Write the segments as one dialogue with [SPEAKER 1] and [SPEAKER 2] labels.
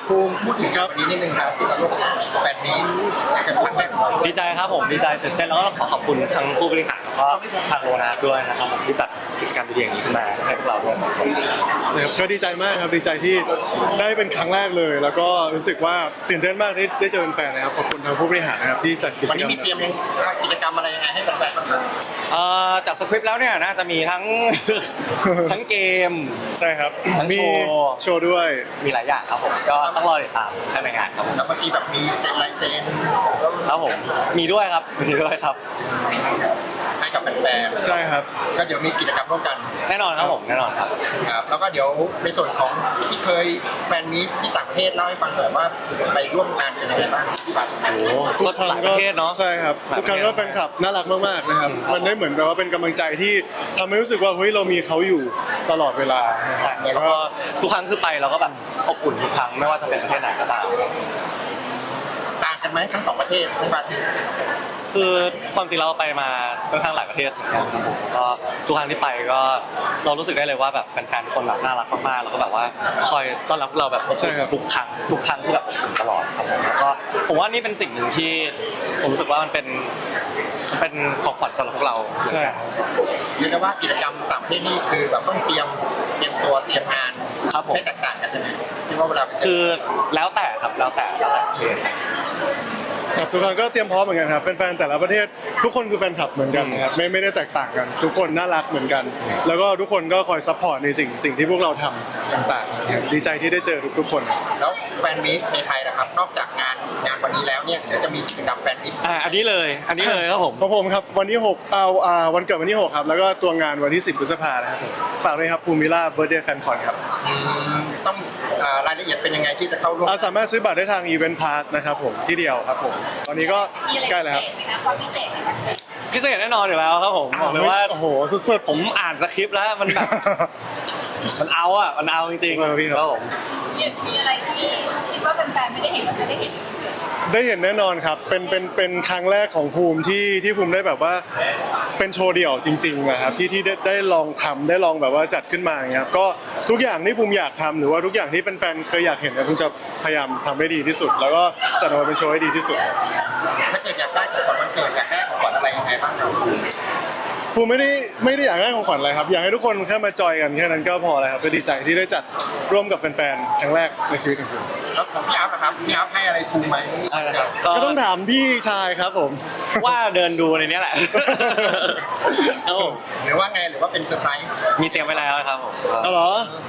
[SPEAKER 1] ภูมิพูดถึงวันนี้นิดนึงครับที่เราลงแฟนมีตกันครั้งแรก
[SPEAKER 2] ดีใจครับผมดีใจตื่นเต้นแล้วก็ต้องขอบคุณทั้งผู้บริหารแล้วก็ทางโรนัสด้วยนะครับผมที่จัดกิจกรรมดีๆอย่างนี้ขึ้นมาให้พวกเราด้วยสองคน
[SPEAKER 3] ก็ดีใจมากครับดีใจที่ได้เป็นครั้งแรกเลย แล้วก็รู้สึกว่าตื่นเต้นมากที่ได้เจอแฟนนะครับขอบคุณทางผู้บริหารนะครับที่จัดกิจกร
[SPEAKER 1] วัน
[SPEAKER 3] ร
[SPEAKER 1] นี้
[SPEAKER 3] ม
[SPEAKER 1] มีเตรียมกิจกรรมอะไรยังไงให้แฟนๆบ้างครับ
[SPEAKER 2] จากสคริปต์แล้วเนี่ยน่าจะมีทั้ง ทั้งเกม
[SPEAKER 3] ใช่ครับ
[SPEAKER 2] ทั้ง
[SPEAKER 3] มี
[SPEAKER 2] โชว์
[SPEAKER 3] ด้วย
[SPEAKER 2] มีหลายอย่างครับผมก็ต้องรอติดตามภายในงานครับผม
[SPEAKER 1] แล้วเมื่อกี้แบบมีเซ็นลายเซ็น
[SPEAKER 2] ครับผมมีด้วยครับมีด้วยครับ
[SPEAKER 1] ให้กับแฟนๆ
[SPEAKER 3] ใช่ครับ
[SPEAKER 1] ก็เดี๋ยวมีกิจกรรมร่วมกัน
[SPEAKER 2] แน่นอนครับผมแน่นอนครับ
[SPEAKER 1] ครับแล้วก็เดี๋ยวในส่วนของที่เคยแฟนมีตที่ต่างประเทศเล่าให้ฟังหน่อยว่าไปร่วมงานกันยังไงบ้างที่บาร์สเปน
[SPEAKER 2] ก็หลายประเทศเนาะ
[SPEAKER 3] ใช่ครับทุกครั้งก็แฟนคลับน่ารักมากๆนะครับมันได้เหมือนแบบว่าเป็นกำลังใจที่ทำให้รู้สึกว่าเฮ้ยเรามีเขาอยู่ตลอดเวลา
[SPEAKER 2] ใช่
[SPEAKER 3] แล้
[SPEAKER 2] แล้ว ว
[SPEAKER 3] ก็
[SPEAKER 2] ก็ทุกครั้งคือไปเราก็แบบอบอุ่นทุกครั้งไม่ว่าจะเป็นประเทศไหนก็ตาม
[SPEAKER 1] ต่างกันไหมทั้งสองประเทศทั้งบราซิล
[SPEAKER 2] คือความจริงเราไปมาค่อนข้างหลายประเทศเหมือนกันครับผมก็ทุกครั้งที่ไปก็เรารู้สึกได้เลยว่าแบบแฟนๆทุกคนแบบน่ารักมากๆแล้วก็แบบว่าคอยต้อนรับเราแบบอบอุ่นทุกครั้งที่แบบอบอุ่นตลอดครับผมแล้วก็ผมว่านี่เป็นสิ่งหนึ่งที่ผมรู้สึกว่ามันเป็นของขวัญสำหรับพวกเรา
[SPEAKER 3] ใช่
[SPEAKER 1] เรียกได้ว่ากิจกรรมต่างประเทศนี่คือแบบต้องเตรียมตัวเตรียมงาน
[SPEAKER 2] ครับผม
[SPEAKER 1] ให้แตกต่างกันใช่ไหมที่ว่าเวลาไปเจ
[SPEAKER 2] คือแล้วแต่ครับแล้วแต่ประเทศ
[SPEAKER 3] ครับทุกครั้งก็เตรียมพร้อมเหมือนกันครับแฟนๆแต่ละประเทศทุกคนคือแฟนคลับเหมือนกันนะครับไม่ได้แตกต่างกัน ทุกคนน่ารักเหมือนกัน แล้วก็ทุกคนก็คอยซัพพอร์ตในสิ่งที่พวกเราทำต่างๆนะครับดีใจที่ได้เจอทุกคน
[SPEAKER 1] แล้วแฟนมีตในไทยนะครับนอกจากงานวันนี้แล้วเนี่ยเดี๋ยวจะมีกิจกรรมแฟนมีต
[SPEAKER 2] อันนี้เลยครับผม
[SPEAKER 3] ของผมครับวันที่6วันเกิดวันที่6ครับแล้วก็ตัวงานวันที่10 พฤษภาคมนะครับผมฝากด้วยครับภูมิล่าเบิร์ดเดย์แฟนคอนครับ
[SPEAKER 1] ต้องรายละเอียดเป็นยังไงที่จะเข้าร่วม
[SPEAKER 3] สามารถซื้อบัตรได้ทางอีเวนต์พาสนะครับผมที่เดียวครับผมตอนนี้ก็
[SPEAKER 4] มีอะไร
[SPEAKER 3] ใกล้แล้วครับ
[SPEAKER 4] พิเศษไหมคะความพิเศษในวันเกิด
[SPEAKER 2] พิเศษแน่นอนอยู่แล้วครับผมบอกเลยว่า
[SPEAKER 3] โอ้โหสุดๆ
[SPEAKER 2] ผมอ่านสคริปต์แล้วมันแบบ มันเอาจริง
[SPEAKER 3] พี่ครับ
[SPEAKER 2] ครับผม
[SPEAKER 4] มีอะไรที่คิดว่าแฟนๆไม่ได้เห็นมันจะได้เห็น
[SPEAKER 3] ได้เห็นแน่นอนครับเป็นครั้งแรกของภูมิที่ภูมิได้แบบว่าเป็นโชว์เดี่ยวจริงๆนะครับที่ได้ลองทำได้ลองแบบว่าจัดขึ้นมาอย่างเงี้ยครับก็ทุกอย่างที่ภูมิอยากทำหรือว่าทุกอย่างที่แฟนๆเคยอยากเห็นเนี่ยภูมิจะพยายามทำให้ดีที่สุด แล้วก็จัดออกมาเป็นโชว์ให้ดีที่สุด
[SPEAKER 1] ถ้าเกิดอยากได้ของขวัญวันเกิดอยากได้ของขวัญอะไรยังไงบ้างครับ
[SPEAKER 3] ภูมิไม่ได้อยากได้ของขวัญอะไรครับอยากให้ทุกคนแค่มาจอยกันแค่นั้นก็พอแล้วครับก็ดีใจที่ได้จัดร่วมกับแฟนๆครั้งแรกในชีวิตของผม
[SPEAKER 1] แล้วของพี่อัพนะครับพี่อัพให้อะไรภูมิไหม
[SPEAKER 2] ใช่นะครับ
[SPEAKER 3] ก็ต้องถามพี่ชายครับผม
[SPEAKER 2] ว่าเดินดูในนี้แหละ ครับผม
[SPEAKER 1] หรือว่าไงหรือว่าเป็นเซอร์ไพรส์
[SPEAKER 2] มีเตรียมไว้แล้วครับผม
[SPEAKER 3] เอาเหรอ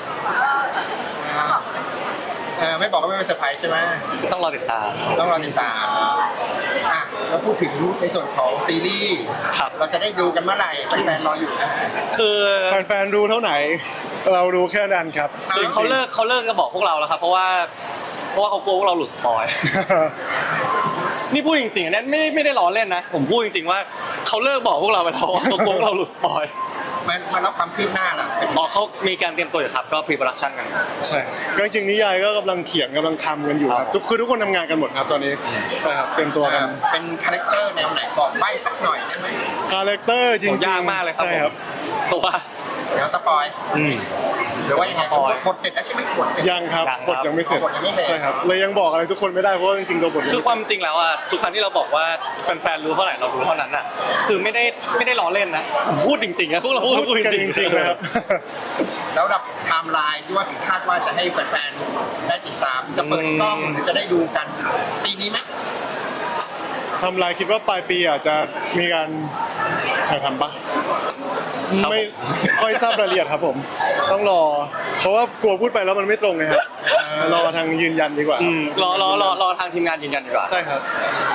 [SPEAKER 1] ไม่บอกก็ไม่เป็นเซอร์ไพรส์ใช่ไหม
[SPEAKER 2] ต้องรอติดตาม
[SPEAKER 1] ต้องรอติดตามแล้วพูดถึงในส่วนของซีรีส์
[SPEAKER 2] ครับ
[SPEAKER 1] เราจะได้ดูกันเมื่อไหร่แฟนๆรออยู่นะ
[SPEAKER 2] คือ
[SPEAKER 3] แฟนๆรู้เท่าไหน เรารู้แค่นั้นครับ
[SPEAKER 2] คือเขาเลิกจะบอกพวกเราแล้วครับเพราะว่าเขากลัวพวกเราหลุดสปอย นี่พูดจริงๆนะไม่ได้ล้อเล่นนะ ผมพูดจริงๆว่าเขาเลิกบอกพวกเราไปแล้วว่าเขากลัวพวกเราหลุดสปอย
[SPEAKER 1] มารับความคืบหน้าล่ะเป็น
[SPEAKER 2] อ๋อเขามีการเตรียมตัวอยู่ครับก็พรีโปรดักชันกัน
[SPEAKER 3] ใช่ก็จริงๆนิยายก็กำลังเขียนกำลังทำกันอยู่ครับคือทุกคนทำงานกันหมดครับตอนนี้ใช่ครับเตรียมตัวกัน
[SPEAKER 1] เป็นคาแรคเตอร์แนวไหนบอกใบ้สักหน่อยได้ไหม
[SPEAKER 3] คาแรคเตอร์จริงๆ
[SPEAKER 2] ยากมากเลยครับ
[SPEAKER 3] ใช่ครับ
[SPEAKER 2] เพราะว่า
[SPEAKER 1] เดี๋ยวสปอย หรือว่ายังไง
[SPEAKER 2] สปอย
[SPEAKER 1] บทเสร็จแล้วใช่ไหมบทเสร็จ
[SPEAKER 3] ยังครับ
[SPEAKER 2] ยังครับ
[SPEAKER 3] บทยังไม่เสร็จ
[SPEAKER 1] บทยังไม่เสร็จ
[SPEAKER 3] ใช่ครับเลยยังบอกอะไรทุกคนไม่ได้เพราะว่าจริงๆตัวบทยัง
[SPEAKER 2] คือ
[SPEAKER 3] ไม่
[SPEAKER 2] ค
[SPEAKER 3] เส
[SPEAKER 2] วา
[SPEAKER 3] ร็
[SPEAKER 2] ม
[SPEAKER 3] จ
[SPEAKER 2] จริงแล้วอ่ะทุกครั้งที่เราบอกว่าแฟนๆรู้เท่าไหร่เรารู้เท่านั้นอ่ะคือไม่ได้ล้อเล่นนะผมพูดจริงๆนะพวกเราพูด
[SPEAKER 3] กัน
[SPEAKER 2] จ
[SPEAKER 3] จ
[SPEAKER 2] ริง
[SPEAKER 3] ริงๆนะครับ
[SPEAKER 1] แล้วรับไทม์ไลน์ที่ว่าคาดว่าจะให้แฟนๆได้ติดตามจะเปิดกล้องหรือจะได้ดูกันปีนี้ไหม
[SPEAKER 3] ทำลายคิดว่าปลายปีอาจจะมีการถ่ายทำปะไม่ค่อยทราบรายละเอียดครับผม ต้องรอ เพราะว่ากลัวพูดไปแล้วมันไม่ตรงไงครับรอทางยืนยันดีกว่า
[SPEAKER 2] รอทางทีมงานยืนยันดีกว่า
[SPEAKER 3] ใช่ครับ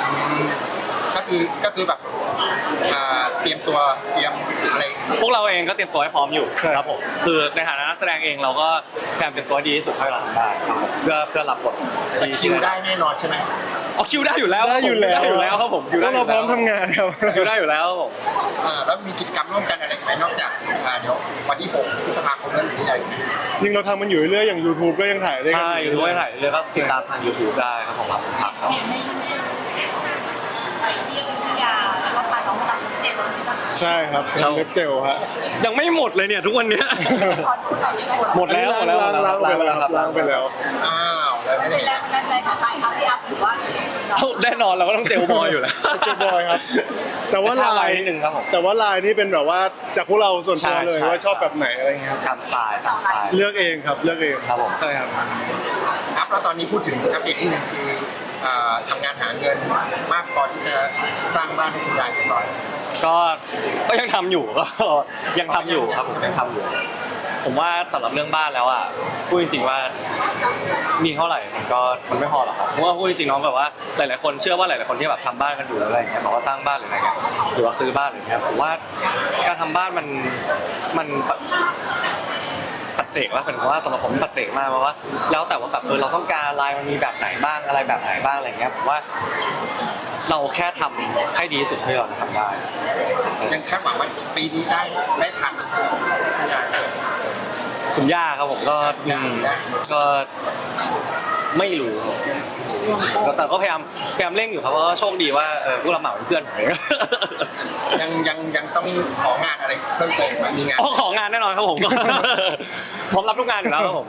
[SPEAKER 1] ก็คือแบบเตรียมตัวเตรียมอะไร
[SPEAKER 2] พวกเราเองก็เตรียมตัวให้พร้อมอยู่
[SPEAKER 3] ใช่
[SPEAKER 2] ครับผมคือในฐานะนักแสดงเองเราก็พยายามเตรียมตัวให้ดีที่สุดเท่าที่เราทำได้ครับผมเพื่อรับบท
[SPEAKER 1] สกิลได้แน่นอนใช่ไหม
[SPEAKER 2] อ๋อคิวได้อยู่แล้ว
[SPEAKER 3] ได้อยู่แล้ว
[SPEAKER 2] ได้อยู่แล้วครับผมคิว
[SPEAKER 3] พ
[SPEAKER 2] ได้
[SPEAKER 3] วก
[SPEAKER 2] อยู่
[SPEAKER 3] เราพร้อมทำงานครับ
[SPEAKER 2] คิวได้อยู่แล้วครับผม
[SPEAKER 1] แล้วมีกิจกรรมร่วมกันอะไรไหมนอกจากเดี๋ยววันที่6 พฤษภาคมนั้นหรือยังไง
[SPEAKER 3] จริงเราทำมันอยู่เรื่อยๆอย่าง YouTube ก็ยังถ่ายได้กัน
[SPEAKER 2] ใช่ยูทูบถ่ายเลยก็ติดตามทาง YouTube ได้ครับผมครับครับ
[SPEAKER 4] เห็นในยูทูบไปเที่ยวพัทยาแล้วก็พาน้องมาทำเจ็บที่บ้าน
[SPEAKER 3] ใช่ครับเป็นเล็บเจลฮะ
[SPEAKER 2] ยังไม่หมดเลยเนี่ยทุกวันเนี้ย
[SPEAKER 4] ขอดูหน่อยได้ไหม
[SPEAKER 2] หมดแล้ว
[SPEAKER 3] ล้างไปแล้ว
[SPEAKER 2] ล้าง
[SPEAKER 3] ล้างไปแล้ว
[SPEAKER 1] อ้าว
[SPEAKER 4] เป็นแรงบันดาลใจของใครครับพี่อัพหรือว่า
[SPEAKER 2] แน่นอนเราก็ต้องเจลบอยอยู่แล้ว
[SPEAKER 3] เจลบอยครับ แต่ว่า
[SPEAKER 2] ชอบ
[SPEAKER 3] ลาย
[SPEAKER 2] นิดนึงครับผม
[SPEAKER 3] แต่ว่าลายนี่เป็นแบบว่าจากพวกเราส่วนตัวเลย
[SPEAKER 2] ใช่
[SPEAKER 3] ว่าชอบแบบไหนอะไรเงี้ยครับ
[SPEAKER 2] ตามสไตล์ตามสไตล์
[SPEAKER 3] เลือกเองครับเลือกเอง
[SPEAKER 2] ครับผม
[SPEAKER 3] ใช่ครับ
[SPEAKER 1] ครับแล้วตอนนี้พูดถึงอัปเดตที่หนึ่งคือทำงานหาเงินมากพอที่จะสร้างบ้านให้คุณยายเรียบร้อย
[SPEAKER 2] ก็ยังทำอยู่ ก็ยังทำอยู่ครับผมยังทำอยู่ ผมว่าสำหรับเรื่องบ้านแล้วอ่ะพูดจริงๆว่ามีเท่าไหร่มันไม่พอหรอกครับเพราะว่าพูดจริงๆน้องแบบว่าหลายๆคนเชื่อว่าหลายๆคนที่แบบทำบ้านกันอยู่อะไรอย่างเงี้ยบอกว่าสร้างบ้านหรืออะไรเงี้ยหรือว่าซื้อบ้านหรือเงี้ยผมว่าการทำบ้านมันปัจเจกว่าผมว่าสำหรับผมปัจเจกมากเพราะว่าแล้วแต่ว่าแบบเราต้องการลายมันมีแบบไหนบ้างอะไรแบบไหนบ้างอะไรเงี้ยผมว่าเราแค่ทำให้ดีที่สุดที่เราทำได้
[SPEAKER 1] ยังคาดหวังว่าปีนี้ได้ทันคุณยาย
[SPEAKER 2] คุณย่าครับผมก็
[SPEAKER 1] ย่า
[SPEAKER 2] ก็ไม่รู้แต่ก็พยายามเร่งอยู่ครับเพราะว่าโชคดีว่าผู้รับเหมาเป็นเพื่อนผมเอง
[SPEAKER 1] ยังต้องของานอะไรเพิ่มเติมไหมมีงาน
[SPEAKER 2] ของงานแน่นอนครับผมก็ ผมรับทุกงานอยู่แล้วครับผม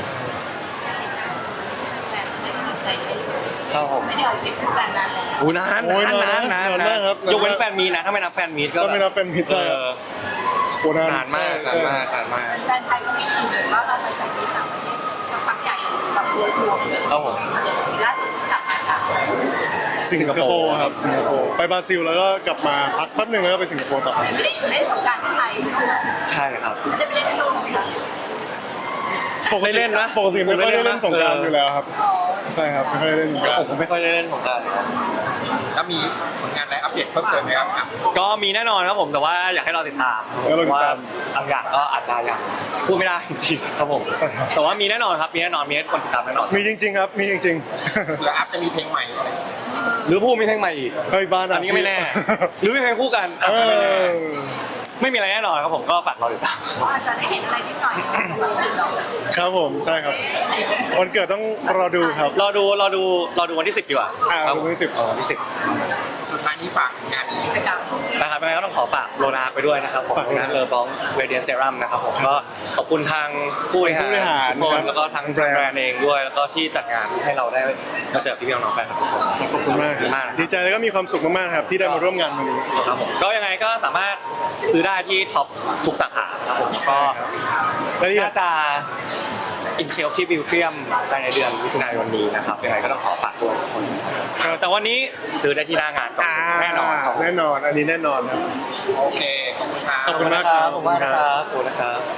[SPEAKER 2] ครับผม
[SPEAKER 4] ไม่ได้ออกทริปกันนานแล้ว
[SPEAKER 2] อู้นาน
[SPEAKER 3] โอ้ยนาน
[SPEAKER 2] นาน
[SPEAKER 3] มากครับ
[SPEAKER 2] ยกเว้นแฟนมีนะถ้าไม่นับแฟนมีก็
[SPEAKER 3] ถ้าไม่นับแฟนมีตใช่ครับ โอ้
[SPEAKER 2] นานมาก
[SPEAKER 3] ใช่
[SPEAKER 2] นานมาก
[SPEAKER 4] แฟนไทยก็ไม่ถูกว่าเราไปจากที่ต่างประเทศสักพักใหญ่แบบรวยทัวร์เลย
[SPEAKER 2] ครับผม
[SPEAKER 4] ล่าสุดกลับมาจาก
[SPEAKER 3] สิงคโปร์ครับสิงคโปร์ไปบราซิลแล้วก็กลับมาพักแป๊บหนึงแล้วก็ไปสิงคโปร์ต่อ
[SPEAKER 4] ไม่ได้อยู่เล่นสงกรานต์ที่ไทย
[SPEAKER 2] ใช่ครับ
[SPEAKER 4] ไม่ได้ไปเล่นที่นู่นไหมคะ
[SPEAKER 2] ไม่เล่นนะ
[SPEAKER 3] ปกติไม่ค่อยได้เล่นสงกรานต์
[SPEAKER 2] เออ
[SPEAKER 3] อ
[SPEAKER 2] อ
[SPEAKER 3] ยู่แล้วครับ ใช่ครับไม่ค่อยได้เล่นสงกราน
[SPEAKER 2] ผ
[SPEAKER 3] ต์
[SPEAKER 2] มไม่ค่อยได้เล่นของกราร
[SPEAKER 1] แล้วมีผลงานอะไรอัปเดตเพิ่มเติมไหมครับอ่ะ
[SPEAKER 2] ก็มีแน่นอนครับผมแต่ว่าอยากให้เราติดตามเพราะว่าบางอย่างก็อาจจะยังพูดไม่ได้จริงๆครับผม
[SPEAKER 3] ใช่ครับ
[SPEAKER 2] แต่ว่ามีแน่นอนครับมีแน่นอนมีให้คนติดตามแน่นอน
[SPEAKER 3] มีจริง ๆ ครับมีจริง
[SPEAKER 1] เผื่ออัพจะมีเพลงใหม่อะไร
[SPEAKER 2] หรือผู้มีเพลงใหม่อีก
[SPEAKER 3] ๆ เฮ้ยบ้าน
[SPEAKER 2] อันนี้ก็ไม่แน่ หรือมีเพลงคู่กัน
[SPEAKER 3] เอ
[SPEAKER 2] อาจจะไม่แน่
[SPEAKER 3] อ
[SPEAKER 2] ไม่มีอะไรแน่นอนครับผมก็ฝากเราติดตาม
[SPEAKER 4] อาจจะได้เห็นอะไรนิดหน่อย
[SPEAKER 3] ครับผมใช่ครับวันเกิดต้องรอดูครับ
[SPEAKER 2] รอดูวันที่ 10ดีกว่า
[SPEAKER 3] ครับวันที่10
[SPEAKER 2] วันที่
[SPEAKER 1] สุดท้ายนี้ฝากงานนี้
[SPEAKER 4] กิจกรรม
[SPEAKER 2] 10นะครับยังไงก็ต้องขอฝากโลนาไปด้วยนะครับผม
[SPEAKER 3] ฝาก
[SPEAKER 2] โลนาเลอบองเรเดียนเซรั่มนะครับผมก็ขอบคุณทางผู้บริ
[SPEAKER 3] ผู้บริหา
[SPEAKER 2] หาร รทุกค
[SPEAKER 3] ครั
[SPEAKER 2] น
[SPEAKER 3] บ
[SPEAKER 2] แล้วก็ทางแบรนด์เองด้วยแล้วก็ที่จัดงานให้เราได้มาเจอพี่ๆน้องๆแฟนคลับทุกคน
[SPEAKER 3] ขอบคุณมาก
[SPEAKER 2] ขอบคุณมากนะครับ
[SPEAKER 3] ดีใจแล้วก็มีความสุขมากๆครับที่ได้มาร่วมงานวันนี้
[SPEAKER 2] ครับผมก็ยังไงก็สามารถซื้อได้ที่ท็อปทุกสาขาครับผม
[SPEAKER 3] ใช่
[SPEAKER 2] ก็
[SPEAKER 3] ครับและที่
[SPEAKER 2] น่าจะอินเชลที่บิวเทียมภายในเดือนมิถุนายนนี้นะครับยังไงก็ต้องขอฝากด้วยทุกคนแต่วันนี้ซื้อได้ที่หน้างานก่อนแน่นอนครับ
[SPEAKER 3] แน่นอนอันนี้แน่นอนครับ
[SPEAKER 1] โอเค ขอบคุณครับ
[SPEAKER 3] ขอบคุณมากครับ
[SPEAKER 2] ขอบคุณมากครับขอบคุณนะครับ